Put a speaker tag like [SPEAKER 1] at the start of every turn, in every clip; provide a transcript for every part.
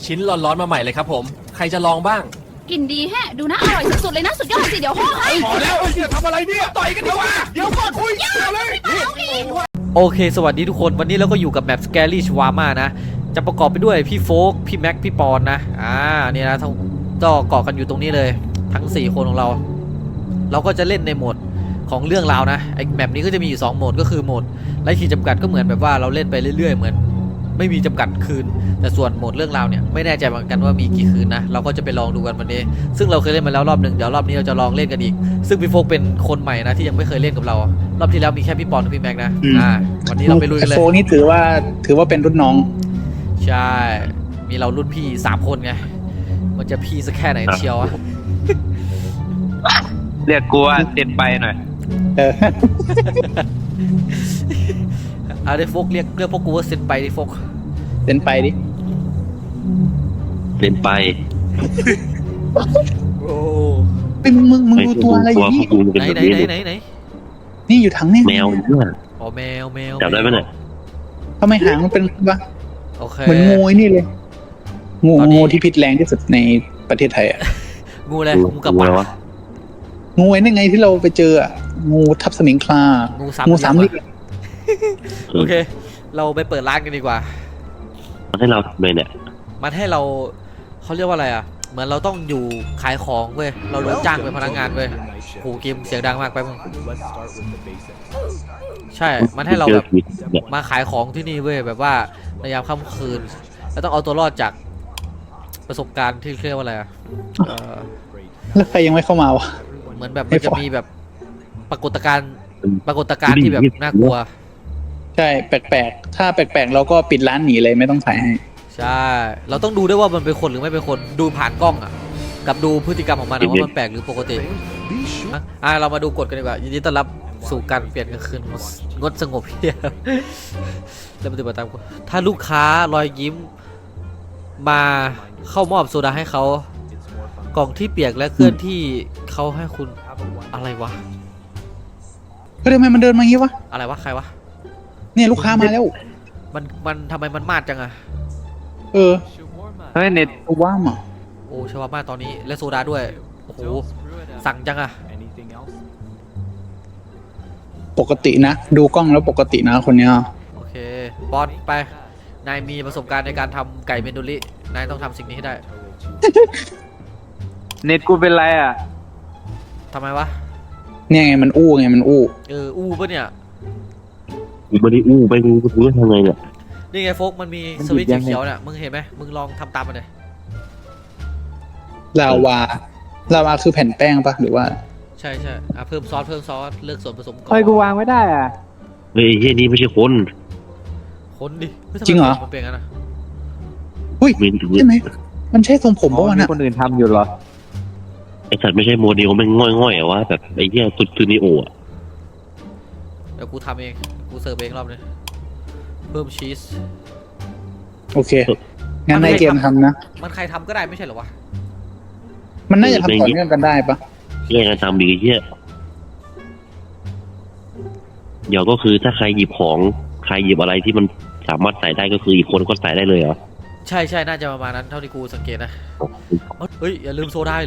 [SPEAKER 1] ชิ้นร้อนๆมาใหม่เลยครับผมใครจะลองบ้าง
[SPEAKER 2] กลิ่นดีแฮะดูนะอร่อยสุดๆเลยนะสุดยอดสิเดี๋ยวห่อให้
[SPEAKER 1] พอแล้วจะทำอะไรเนี่ยต่อยกันดีกว่าเดี๋ยวก่อนคุยเลย
[SPEAKER 3] โอเคสวัสดีทุกคนวันนี้เราก็อยู่กับแมป Scary Shawarma นะจะประกอบไปด้วยพี่โฟกพี่แม็กพี่ปอนนะเนี่ยนะก็เกาะกันอยู่ตรงนี้เลยทั้ง4คนของเราก็จะเล่นในโหมดของเรื่องราวนะไอแมปนี้ก็จะมีอยู่2โหมดก็คือโหมดไร้ขีดจำกัดก็เหมือนแบบว่าเราเล่นไปเรื่อยๆเหมือนไม่มีจำกัดคืนแต่ส่วนโหมดเรื่องราวเนี่ยไม่แน่ใจเหมือนกันว่ามีกี่คืนนะเราก็จะไปลองดูกันวันนี้ซึ่งเราเคยเล่นมาแล้วรอบหนึ่งเดี๋ยวรอบนี้เราจะลองเล่นกันอีกซึ่งพี่โฟกเป็นคนใหม่นะที่ยังไม่เคยเล่นกับเรารอบที่แล้วมีแค่พี่ปอนกับพี่แม็กนะวันนี้เราไปลุยกันเลย
[SPEAKER 4] โฟนี่ถือว่าเป็นรุ่นน้อง
[SPEAKER 3] ใช่มีเรารุ่นพี่3คนไงมันจะพี่สักแค่ไหนเชียวอะ
[SPEAKER 5] เรียกกูว่าเซ็นไปหน่อย
[SPEAKER 3] เอาได้โฟกเรียกพวกกูว่าเซ็นไปดิโฟก
[SPEAKER 4] เซ็นไปดิ
[SPEAKER 5] เซ็นไป
[SPEAKER 3] โอ้
[SPEAKER 4] เป็นมึงดูตัวอะไรอยู่นี่
[SPEAKER 3] ไหน
[SPEAKER 4] นี่อยู่ถังนี่
[SPEAKER 5] แมวเพื่อน
[SPEAKER 3] อ๋อแมว
[SPEAKER 5] จับได้ไหมเนี่ย
[SPEAKER 4] ทำไมหางมันเป็นวะ
[SPEAKER 3] โอเค
[SPEAKER 4] เหมือนงูนี่เลยงูที่พิษแรงที่สุดในประเทศไทยอ่ะ
[SPEAKER 3] งูอะไรงูกับปลา
[SPEAKER 4] งูไอ้นั่นไงที่เราไปเจองูทับสมิงคลางูสามเหลี่ยม
[SPEAKER 3] โอเคเราไปเปิดร้านกันดีกว่า
[SPEAKER 5] มันให้เราทำไมเนี่ย
[SPEAKER 3] มันให้เราเขาเรียกว่าอะไรอ่ะเหมือนเราต้องอยู่ขายของเว้ยเราโดนจ้างเป็นพนักงานเว้ยโหเกมเสียงดังมากไปมึงใช่มันให้เราแบบมาขายของที่นี่เว้ยแบบว่าในยามค่ำคืนแล้วต้องเอาตัวรอดจากประสบการณ์ที่เรียกว่าอะไรอ่ะ
[SPEAKER 4] แล้วใครยังไม่เข้ามาวะ
[SPEAKER 3] เหมือนแบบมันจะมีแบบปรากฏการณ์ที่แบบน่ากลัว
[SPEAKER 4] ใช่แปลกๆถ้าแปลกๆเราก็ปิดร้านหนีเลยไม่ต้องขายให้
[SPEAKER 3] ใช่เราต้องดูด้วยว่ามันเป็นคนหรือไม่เป็นคนดูผ่านกล้องอ่ะกับดูพฤติกรรมของมันว่ามันแปลกหรือปกติเรามาดูกฎกันดีกว่ายินดีต้อนรับสู่การเปลี่ยนกลางคืนงดสงบเพียบแล้วปฏิบัติตามถ้าลูกค้ารอยยิ้มมาเข้ามอบโซดาให้เขากล่องที่เปียกและเคลื่อนที่เขาให้คุณอะไรวะ
[SPEAKER 4] ก็ทำไมมันเดินมางี้วะ
[SPEAKER 3] อะไรวะใครวะ
[SPEAKER 4] เนี่ยลูกค้ามาแล้ว
[SPEAKER 3] มันทำไมมันมาดจังอะ
[SPEAKER 4] เ
[SPEAKER 5] ฮ้ยเน็ต
[SPEAKER 4] ว่ามา
[SPEAKER 3] โอ้ชาวบ้านตอนนี้และโซดาด้วยโอ้โหสั่งจังอะ
[SPEAKER 4] ปกตินะดูกล้องแล้วปกตินะคนเนี้ย
[SPEAKER 3] โอเคบอลไปนายมีประสบการณ์ในการทำไก่เมนดูรินายต้องทำสิ่งนี้ให้ได้
[SPEAKER 5] เน็ตกูเป็นไรอ่ะ
[SPEAKER 3] ทำไมวะ
[SPEAKER 4] เนี่ยไงมันอู้
[SPEAKER 3] ปะเนี่ย
[SPEAKER 5] กูไม่ได้อู้ไปกูจะทำไงเนี่ย
[SPEAKER 3] นี่ไงโฟกมันมีสวิตช์เขียวเนี่ยมึงเห็นไหมมึงลองทำตามมันเลย
[SPEAKER 4] ลาวาคือแผ่นแป้งปะหรือว่า
[SPEAKER 3] ใช่เพิ่มซอสเลือกส่วนผสมก่อน
[SPEAKER 5] ใครกูวางไม่ได้อ่ะเฮ้ยเฮ้ยนี่ไม่ใช่คน
[SPEAKER 3] ดิ
[SPEAKER 4] จริงเหรอ
[SPEAKER 3] มันเป็นงั้นนะ
[SPEAKER 4] อุ้ยใช่ไหมมันใช่ทรงผมปะวะ
[SPEAKER 5] น่ะคนอื่นทำอยู่เหรอไอสัตว์ไม่ใช่โมเดลมันง่อยๆอะวะแบบไอ้เหี้ยตุนิโออะ
[SPEAKER 3] เดี๋ยวกูทำเองกูเสิร์ฟเองรอบนี้เพิ่มชีส
[SPEAKER 4] โอเคงั้นในเกมทำนะ
[SPEAKER 3] มันใครทำก็ได้ไม่ใช่เหรอวะ
[SPEAKER 4] มันน่าจะทำต่อเนื่องกันได้ปะ
[SPEAKER 5] แย่งกันทำดีเหี้ยเดี๋ยวก็คือถ้าใครหยิบของใครหยิบอะไรที่มันสามารถใส่ได้ก็คืออีกคนก็ใส่ได้เลยเหรอ
[SPEAKER 3] ใช่น่าจะประมาณนั้นเท่าที่กูสังเกตนะเฮ้ยอย่าลืมโซดา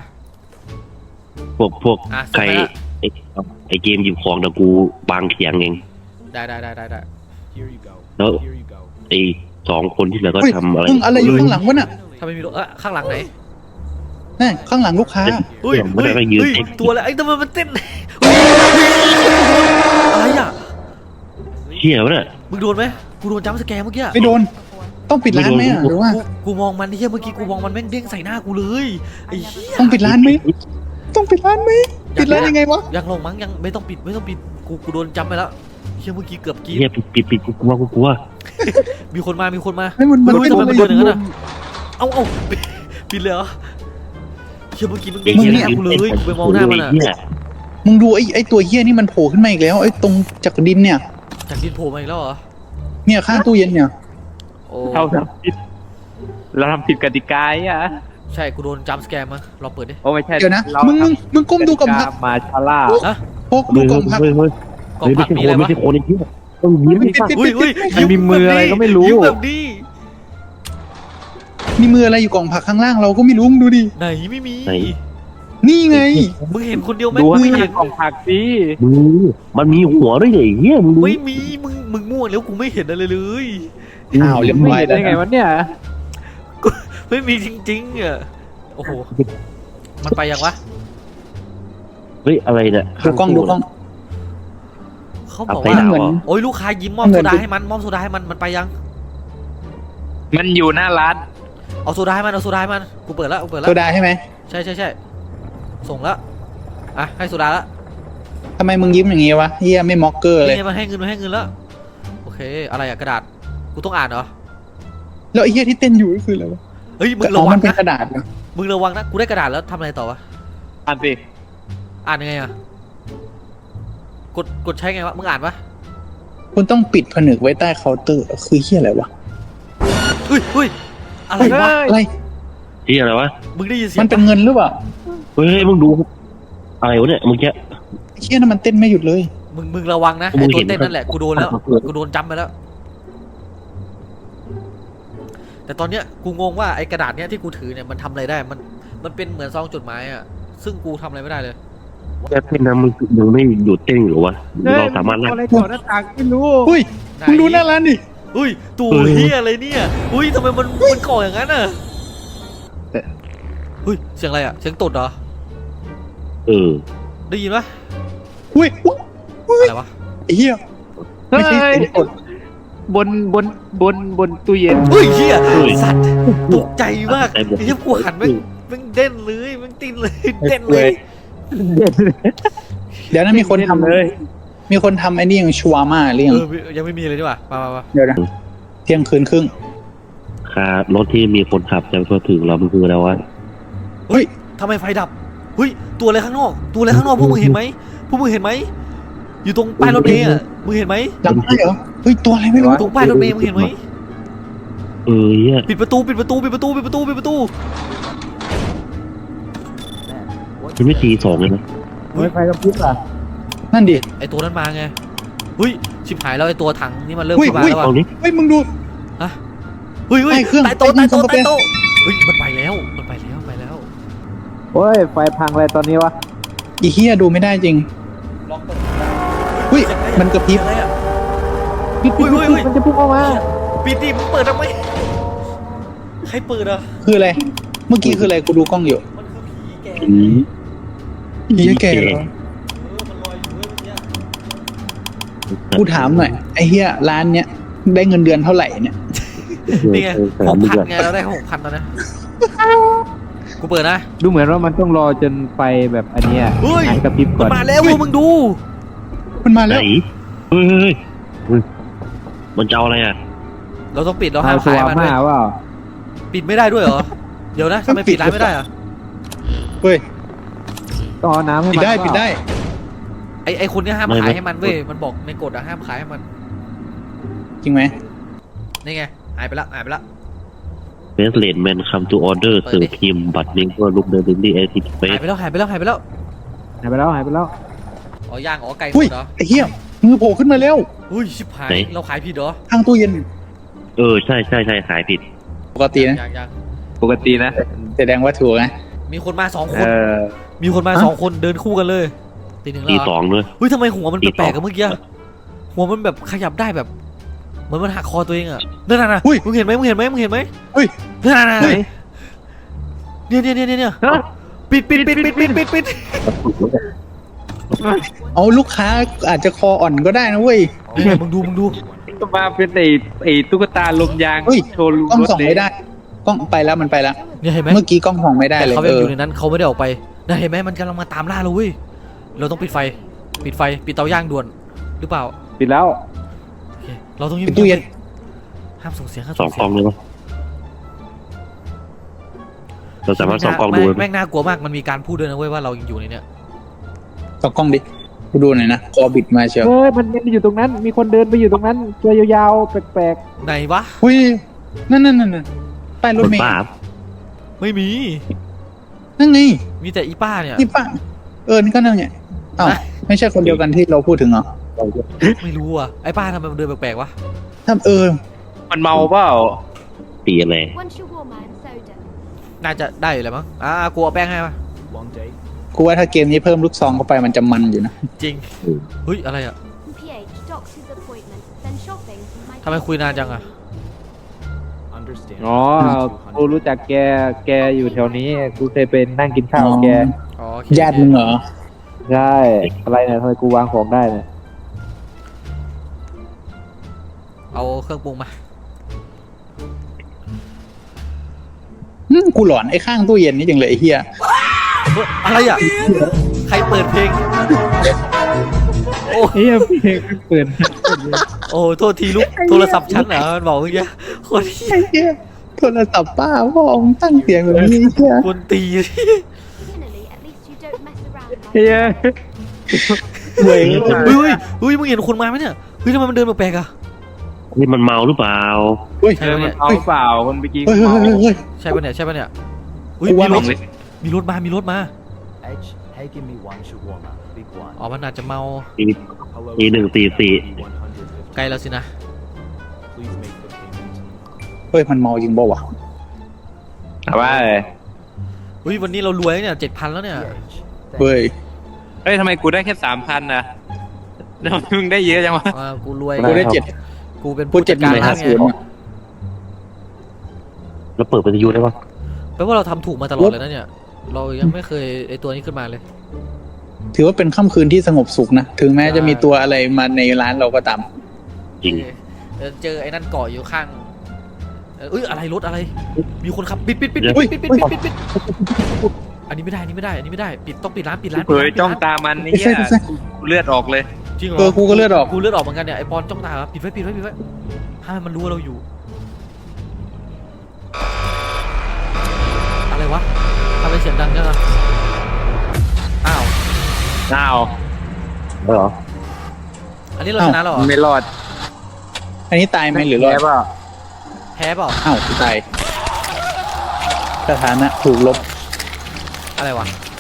[SPEAKER 5] พวกใครไอเกมหยิบของแต่กูบางเสียงเอง
[SPEAKER 3] ได้
[SPEAKER 5] แล้วไอ2คนที่เหลือก็ทำอะไร
[SPEAKER 4] อะไรอยู่ข้างหลังวะน่ะ
[SPEAKER 3] ทำไมมีข้างหลังไหน
[SPEAKER 4] นี่ข้างหลังลูกค้า
[SPEAKER 5] ไม่ได้ไปยืน
[SPEAKER 3] ตัวอะไรไอ้ทำไมมันเต้นอะไรอ่ะ
[SPEAKER 5] เชี่ยวะเนี่ย
[SPEAKER 3] มึงโดนไหมกูโดนจัมป์สแกร์เมื่อกี้
[SPEAKER 4] ไม่โดนต้องปิดร้านไหมหรือว่า
[SPEAKER 3] กูมองมันที่เมื่อกี้กูมองมันแม่งเด้งใส่หน้ากูเลยไอ้
[SPEAKER 4] ต้องปิดร้านไหมปิดร้านยังไงวะ
[SPEAKER 3] ยังลงมั้งยังไม่ต้องปิดกูโดนจัมป์ไปแล้วเมื่อกี้เกือบกี้
[SPEAKER 5] ปิดกูกลัว
[SPEAKER 3] มีคนมา
[SPEAKER 4] มัน
[SPEAKER 3] โดนอย่างนั้นอ่ะเอาปิดเลยเหรอเมื่อกี้มึงเด้งใส่หน้ากูเลยกูไปมองหน้ามันอ่ะ
[SPEAKER 4] มึงดูไอ้ตัวเหี้ยนี่มันโผล่ขึ้นมาอีกแล้วไอ้ตรงจากดินเนี่ย
[SPEAKER 3] จากดินโผล่มาอีกแล้วเหรอ
[SPEAKER 4] เนี่ยข้างตู้เย็นเนี่ย
[SPEAKER 5] เราทำผิดกติกาอ่ะ
[SPEAKER 3] ใช่กูโดนจัมป์สแกร์มาลองเปิดดิ
[SPEAKER 5] โอ้ไม่ใช่
[SPEAKER 4] เดี๋ยวนะมึงก้มดูกล่องผัก
[SPEAKER 5] มาชาล่า
[SPEAKER 4] พกดูกล่องผัก
[SPEAKER 3] มีอะไรวะ
[SPEAKER 5] ไม่ใช่คนที่ต้องยิ้ม
[SPEAKER 3] อุ้ย
[SPEAKER 5] มีมืออะไรก็ไม่รู้
[SPEAKER 3] แบบนี้
[SPEAKER 4] นี่มืออะไรอยู่กล่องผักข้างล่างเราก็ไม่รู้มึงดูดิ
[SPEAKER 3] ไหนไม่มี
[SPEAKER 5] ไหน
[SPEAKER 4] นี่ไง
[SPEAKER 3] มึงเห็นคนเดียวไหม
[SPEAKER 1] ดูให้
[SPEAKER 3] ไม่
[SPEAKER 1] มัน
[SPEAKER 3] เห็น
[SPEAKER 1] กล่องผักสิ
[SPEAKER 5] มันมีหัวด้วยไอ้เหี้ยมึงดู
[SPEAKER 3] ไม่มีมึงมั่วแล้วกูไม่เห็นอะไรเลย
[SPEAKER 4] อ้าวเรียบ
[SPEAKER 1] ไม่
[SPEAKER 4] ร้อย
[SPEAKER 1] เห็น
[SPEAKER 4] แล้ว
[SPEAKER 1] ได้ไงวะเนี่ย
[SPEAKER 3] ไม่มีจริงๆอ่ะโอ้โหมันไปยังวะ
[SPEAKER 5] เฮ้ยอะไรเนี่ย
[SPEAKER 4] ดูกล้องดูกล้อง
[SPEAKER 3] เขาบอก
[SPEAKER 5] ไป
[SPEAKER 3] ว่า
[SPEAKER 5] ดาว
[SPEAKER 4] เหมือน
[SPEAKER 5] เหรอ
[SPEAKER 3] โอ้ยลูกค้ายิ้มมอบโซดาให้มันมอบโซดาให้มันไปยัง
[SPEAKER 1] มันอยู่หน้าร้าน
[SPEAKER 3] เอาโซดาให้มันเอาโซดาให้มันกูเปิดแล้วกูเปิดแล้
[SPEAKER 4] โซ
[SPEAKER 3] ว
[SPEAKER 4] ดาใช่ไหม
[SPEAKER 3] ใช่ส่งแล้วอ่ะให้โซดาแล้ว
[SPEAKER 4] ทำไมมึงยิ้มอย่างงี้วะเฮียไม่ม็อกเกอร์เลย
[SPEAKER 3] นี่มันให้เงินแล้วโอเคอะไรอะกระดาษกูต้องอ่านเหรอ
[SPEAKER 4] แล้วไอ้เฮียที่เต้นอยู่ก็คืออะไรวะ
[SPEAKER 3] เฮ้ยมึง
[SPEAKER 4] อ๋
[SPEAKER 3] ระ
[SPEAKER 4] อ
[SPEAKER 3] วั
[SPEAKER 4] มั
[SPEAKER 3] ง
[SPEAKER 4] นเป็น
[SPEAKER 3] นะ
[SPEAKER 4] กระดาษนะ
[SPEAKER 3] มึงระวังนะกูได้กระดาษแล้วทำอะไรต่อวะ
[SPEAKER 1] อ่านสิ
[SPEAKER 3] อ่านยังไงอะกดใช้ไงวะมึงอ่านปะ
[SPEAKER 4] คุณต้องปิดผนึกไว้ใต้เคาน์เตอร์คือเฮียอะไรวะ
[SPEAKER 3] เฮ้ยอะไรวะ
[SPEAKER 4] อะไร
[SPEAKER 5] ที่อะไรวะ
[SPEAKER 3] มึงได้ยินเสียง
[SPEAKER 4] มันเป็น
[SPEAKER 3] ปะ
[SPEAKER 4] เงินหรือเปล่า
[SPEAKER 5] เฮ้ยมึงดูอะไรวะเนี่ยเมื่อกี้
[SPEAKER 4] ไอ้เฮียนั่นมันเต้นไม่หยุดเลย
[SPEAKER 3] มึงระวังนะ
[SPEAKER 5] มึ
[SPEAKER 3] ไอ้
[SPEAKER 5] ง
[SPEAKER 3] ตั
[SPEAKER 5] เห็
[SPEAKER 3] วน เต้นนั่นแหละกูโดนแล้วกูโดนจำไปแล้ว แต่ตอนเนี้ยกูงงว่าไอ้กระดาษเนี้ยที่กูถือเนี่ยมันทำอะไรได้มันเป็นเหมือนซองจดหมายอะซึ่งกูทำอะไรไม่ได้เลย
[SPEAKER 5] แค่เต้นนะมึงยังไม่หยุดเต้นหรือวะเราสามารถ
[SPEAKER 1] อะไรก่อนหน้าต่างไม่รู้
[SPEAKER 4] อุ้ยมึงดูหน้าร้านดิ
[SPEAKER 3] อุ้ยตัวเฮียอะไรเนี่ยอุ้ยทำไมมันก่ออย่างนั้นอะเฮ้ยเสียงอะไรอะเสียงตดเหรอ ได้ยินปะ
[SPEAKER 4] อุ้ยอุ้ย
[SPEAKER 3] อะไรวะ
[SPEAKER 4] ไอ้เฮียไม่ใช่เสียงกด
[SPEAKER 1] บนตู้เย็น
[SPEAKER 3] เฮ้ยเฮีย
[SPEAKER 5] เฮ้ย
[SPEAKER 3] สัตว์ตกใจมาก
[SPEAKER 5] ตกใจหมด
[SPEAKER 3] ไอ้เหี้ยกูหันแม่งเด่นเลยแม่งตินเลยเด่นเลย
[SPEAKER 4] เดี๋ยวนั้นมีคนทำ
[SPEAKER 1] เลย
[SPEAKER 4] มีคนทำไอ้นี่อย่างชัวร์มาหรือยัง
[SPEAKER 3] ยังไม่มีเลยดีกว่ามา
[SPEAKER 4] เดี๋ยวนะเที่ยงคืนครึ่ง
[SPEAKER 5] คารถที่มีคนขับจะพอถึงเรามันคืออะไรวะ
[SPEAKER 3] เฮ้ยทำไมไฟดับเฮ้ยตัวอะไรข้างนอกตัวอะไรข้างนอกพวกมึงเห็นไหมอยู่ตรงป้ายรถเมล์อะมึงเห็นไหม
[SPEAKER 4] จำได้เหรอเฮ้ยตัวอะไรไม่รู้
[SPEAKER 3] ตรงป้ายรถเมล์มึงเห็นไหม
[SPEAKER 5] เหี้ย
[SPEAKER 3] ปิดประตู
[SPEAKER 5] มันไม่ตีสองเลยนะ
[SPEAKER 1] ไฟกระพริบอ่ะ
[SPEAKER 4] นั่นดิ
[SPEAKER 3] ไอตัวนั้นมาไงเฮ้ยชิบหายแล้วไอตัวถังนี่มันเริ่ม
[SPEAKER 4] อุ้ย
[SPEAKER 3] เข้ามาแล้ว
[SPEAKER 5] เอา
[SPEAKER 3] ว่ะ
[SPEAKER 5] นี้
[SPEAKER 4] เฮ้ยมึงดู
[SPEAKER 3] เฮ้ย
[SPEAKER 4] ใต้เครื่อง
[SPEAKER 3] ใต้โต๊ะ
[SPEAKER 4] ใต้เครื่อง
[SPEAKER 3] เฮ้ยมันไปแล้ว
[SPEAKER 1] โอ้ยไฟพังอะไรตอนนี้วะ
[SPEAKER 4] อีเฮียดูไม่ได้จริงอุ้ยมันกระพริบ
[SPEAKER 3] อะไรอะ
[SPEAKER 1] ปิดมันจะพุ่งออกมา
[SPEAKER 3] ปิดดิมึงเปิดทำไมใครเปิดอ่ะ
[SPEAKER 4] คืออะไร เมื่อกี้คืออะไรกูดูกล้องอยู่
[SPEAKER 3] มันคือผีแก่
[SPEAKER 5] อืม
[SPEAKER 4] เฮียแก่เหรอ
[SPEAKER 3] มันลอยอยู่เมื่อกี้
[SPEAKER 4] กูถามหน่อยไอ้เฮียร้านเนี้ยได้เงินเดือนเท่าไหร่เนี่ย
[SPEAKER 3] นี่ไง6,000ไงเราได้6,000แล้วนะกูเปิดนะ
[SPEAKER 1] ดูเหมือนว่ามันต้องรอจนไฟแบบอันเนี้ย
[SPEAKER 3] เฮ้ย
[SPEAKER 1] กระพริบก่
[SPEAKER 3] มั
[SPEAKER 1] อน น
[SPEAKER 3] มาแล้วมึงดู
[SPEAKER 4] มันมา
[SPEAKER 5] ไหน
[SPEAKER 4] แล้ว
[SPEAKER 5] เฮ้ยมันจะเอาอะไรอ่ะ
[SPEAKER 3] เราต้องปิดเรา
[SPEAKER 1] เอา
[SPEAKER 3] ห้าม
[SPEAKER 1] ส
[SPEAKER 3] ขาย
[SPEAKER 1] ว่าง
[SPEAKER 3] มัน
[SPEAKER 1] มา
[SPEAKER 3] ด้วย
[SPEAKER 1] ว่า
[SPEAKER 3] ปิดไม่ได้ด้วยเหรอเดี๋ยวนะทำไมปิดร้านไม่ได้อะ
[SPEAKER 4] เฮ้ย
[SPEAKER 1] ต้องเอาน้ำให้
[SPEAKER 4] ปิด
[SPEAKER 1] มัน
[SPEAKER 4] ได้ปิดได้
[SPEAKER 3] ไอคนเนี้ยห้ามขายให้มันเว้ยมันบอกในกฎอะห้ามขายให้มัน
[SPEAKER 4] จริงไหม
[SPEAKER 3] นี่ไงหายไปละ
[SPEAKER 5] เบสเลดแมนคัมทูออเดอร์เสิร์ฟทีมบัตรเมงก็ลุกเดินดินดี้แอซิดเฟส
[SPEAKER 3] หายไปแล้ว
[SPEAKER 1] หายไปแล้ว
[SPEAKER 3] อ๋อย่างอ๋อไก่
[SPEAKER 4] อุ้ย
[SPEAKER 3] เหรอ
[SPEAKER 4] ไอ้เฮียมือโผล่ขึ้นมาแล้ว
[SPEAKER 3] อุ้ยชิบหายเราขายผิดเหรอ
[SPEAKER 4] ข้างตู้เย็น
[SPEAKER 5] ใช่ขายผิด
[SPEAKER 4] ปกตินะ
[SPEAKER 3] ยัง
[SPEAKER 1] ปกตินะ
[SPEAKER 4] แสดงว่าถูกนะ
[SPEAKER 3] มีคนมา2 คนมีคนมา2 คนเดินคู่กันเลยตี 1แล้ว
[SPEAKER 5] ตี
[SPEAKER 3] เหรอ
[SPEAKER 5] สองเลย
[SPEAKER 3] เฮ้ยทำไมหัวมัน
[SPEAKER 5] ตี
[SPEAKER 3] แปลกๆ
[SPEAKER 5] ส
[SPEAKER 3] กั
[SPEAKER 5] อบ ง
[SPEAKER 3] เมื่อกี้หัวมันแบบขยับได้แบบเหมือนมันหักคอตัวเองอะนั่นน่ะมึงเห็นไหม
[SPEAKER 4] เฮ้ย
[SPEAKER 3] นั่นน่ะเนี่ยปิด
[SPEAKER 4] เอาลูกค้าอาจจะคออ่อนก็ได้นะเว้ย
[SPEAKER 3] เนี่ยมึงดู
[SPEAKER 1] ก็มาเป็นไอ้ตุ๊กตาลมยาง
[SPEAKER 4] เฮ้ย
[SPEAKER 1] โชว์
[SPEAKER 4] กล้อง
[SPEAKER 1] รถ
[SPEAKER 4] ส่องไม่ได้ กล้องไปแล้วมันไปแล้ว
[SPEAKER 3] เนี่ยเห็นไหม
[SPEAKER 4] เมื่อกี้กล้องส่องไม่ได้
[SPEAKER 3] แต่
[SPEAKER 4] เลย
[SPEAKER 3] เขายังอยู่ในนั้นเขาไม่ได้ออกไปนะเห็นไหมมันกำลังมาตามล่าเราเว้ยเราต้องปิดไฟปิดเตาย่างด่วนหรือเปล่า
[SPEAKER 1] ปิดแล้ว
[SPEAKER 3] โอเคเราต้องยิ้ม
[SPEAKER 4] ปิดตู้เย็น
[SPEAKER 3] ห้ามส่งเสียง
[SPEAKER 5] สองกล้องเลยปะเราสามารถส่องกล้องดูได้ไหม
[SPEAKER 3] แม่งน่ากลัวมากมันมีการพูดด้วยนะเว้ยว่าเรายังอยู่ในเนี้ย
[SPEAKER 4] ส่องกล้องดิกูดูหน่อยนะคอบิดมาเชียว
[SPEAKER 1] เฮ้ยมันอยู่ตรงนั้น มีคนเดินไปอยู่ตรงนั้น ตัวยาวๆแปลก
[SPEAKER 3] ไหนวะ
[SPEAKER 4] อุ้ยนั่นป้ายรถ
[SPEAKER 5] คน
[SPEAKER 4] เมล์
[SPEAKER 5] บ้า
[SPEAKER 3] ไม่มี
[SPEAKER 4] นั่นไง
[SPEAKER 3] มีแต่อีป้าเนี่ย
[SPEAKER 4] นี่ป้านี่ก็นั่นไงอ้าวไม่ใช่คนเดียวกันที่เราพูดถึงเหรอ
[SPEAKER 3] ไม่รู้อ่ะไอ้ป้าทำไมมันเดินแปลกๆวะ
[SPEAKER 4] ถ้า
[SPEAKER 1] ๆมันเมาเปล่า
[SPEAKER 5] ตีอะไร
[SPEAKER 6] 温室过满在
[SPEAKER 3] น่าจะได้อยู่แล้วมั้งกูเอาแป้งให้มา
[SPEAKER 4] กูว่าถ้าเกมนี้เพิ่มลูกซองเข้าไปมันจะมันอยู่นะ
[SPEAKER 3] จริงเฮ้ยอะไรอ่ะ
[SPEAKER 2] PH doctor's appointment then shopping
[SPEAKER 3] ทำไมคุยนานจังอ่ะ
[SPEAKER 1] อ๋อกูรู้จักแกอยู่แถวนี้กูเคยเป็นนั่งกินข้าวกับแก
[SPEAKER 3] อ๋อโอเค
[SPEAKER 4] ญาติมึงเหรอ
[SPEAKER 1] ใช่อะไรเนี่ยทำไมกูวางของได้เนี่ย
[SPEAKER 3] เอาเครื่องปรุงมา
[SPEAKER 4] กูหลอนไอ้ข้างตู้เย็นนี่จังเลยไอ้เหี้ย
[SPEAKER 3] เฮ้ยอะไรอ่ะใครเปิดเพลงโอ้
[SPEAKER 1] เฮ้ยเพลงเปิด
[SPEAKER 3] โอ้โทษทีลูกโทรศัพท์ฉันเหรอมันบอกเมื่อกี้คนที่
[SPEAKER 4] ไอ้เหี้ยโทรศัพท์ป้าพ่อมึงตั้งเสียงแบบนี้ไอ้เหี้ย
[SPEAKER 3] คนตี
[SPEAKER 2] finally at least you don't mess around
[SPEAKER 1] เฮ้ย
[SPEAKER 4] เว้ย
[SPEAKER 3] เฮ้ยมึงเห็นคนมาไหมเนี่ยเฮ้ยทำไมมันเดินแปลกๆอ่ะ
[SPEAKER 5] นี่มันเมาหรือเปล่า
[SPEAKER 4] เฮ้ย
[SPEAKER 3] ใช่ปะเนี่ย
[SPEAKER 1] เอาเปล่าคนเมื่อกี้
[SPEAKER 4] เฮ้ยเฮ้ยเฮ้ยเฮ้ย
[SPEAKER 3] ใช่ปะเนี่ยใช่ปะเนี่ยอุ้ย
[SPEAKER 4] กูว่า
[SPEAKER 3] มีรถมา
[SPEAKER 6] Hey, give me one shawarma, big one.
[SPEAKER 3] อ๋อมันอาจจะเมา
[SPEAKER 6] Hello,
[SPEAKER 5] 144
[SPEAKER 3] ไกลแล้วสินะ
[SPEAKER 6] please make the payment.
[SPEAKER 4] เฮ้ยมันเมาจริงเปล่าวะ
[SPEAKER 1] เอาว่า
[SPEAKER 3] เฮ้ยวันนี้เรารวยเนี่ย7,000แล้วเนี่ย
[SPEAKER 6] PH,
[SPEAKER 4] เฮ้ย
[SPEAKER 1] เฮ้ยทำไมกูได้แค่3,000นะแล้วมึงได้เยอะจังวะ
[SPEAKER 3] กูรวย
[SPEAKER 4] กูได้เจ็ด
[SPEAKER 3] กูเป็น
[SPEAKER 4] กู
[SPEAKER 3] ผู้
[SPEAKER 4] เจ็
[SPEAKER 3] จั
[SPEAKER 4] ด
[SPEAKER 3] ด
[SPEAKER 4] ห
[SPEAKER 3] การ
[SPEAKER 4] มื่น
[SPEAKER 3] ร้า
[SPEAKER 4] ห้าน
[SPEAKER 3] ไง
[SPEAKER 4] ศูนย์
[SPEAKER 5] แล้วเปิดวิทยุได้ปะ
[SPEAKER 3] แปลว่าเราทำถูกมาตลอดเลยนะเนี่ยเรายังไม่เคยไอตัวนี้ขึ้นมาเลย
[SPEAKER 4] ถือว่าเป็นค่ำคืนที่สงบสุขนะ ถึงแม้จะมีตัวอะไรมาในร้านเราก็ตาม
[SPEAKER 5] จริง
[SPEAKER 3] เจอไอ้นั่นเกาะอยู่ข้างเอ้ยอะไรรถอะไร มีคนขับปิด
[SPEAKER 4] อุ๊ย
[SPEAKER 3] อันนี้ไม่ได้อันนี้ไม่ได้ปิดต้องปิดร้าน
[SPEAKER 1] เผยจ้องตามันนี่เนี่ยกูเลือดออกเลย
[SPEAKER 3] จริงเหรอ
[SPEAKER 4] กูก็เลือดออก
[SPEAKER 3] กูเลือดออกเหมือนกันเนี่ยไอปอนจ้องตาปิดไว้ห้ามให้มันรู้ว่าเราอยู่อะไรวะทำไมเสียงดังจังอะอ้าว
[SPEAKER 1] อ้าว
[SPEAKER 5] เหรอ
[SPEAKER 3] อันนี้เราชนะแล้วเหรอ
[SPEAKER 1] ไม่รอด
[SPEAKER 4] อันนี้ตายไหมหรือรอด
[SPEAKER 1] แย่เปล่า
[SPEAKER 3] แพ้เปล่า
[SPEAKER 4] อ้าวกูตายสถานะถูกลบ
[SPEAKER 3] อะไรวะ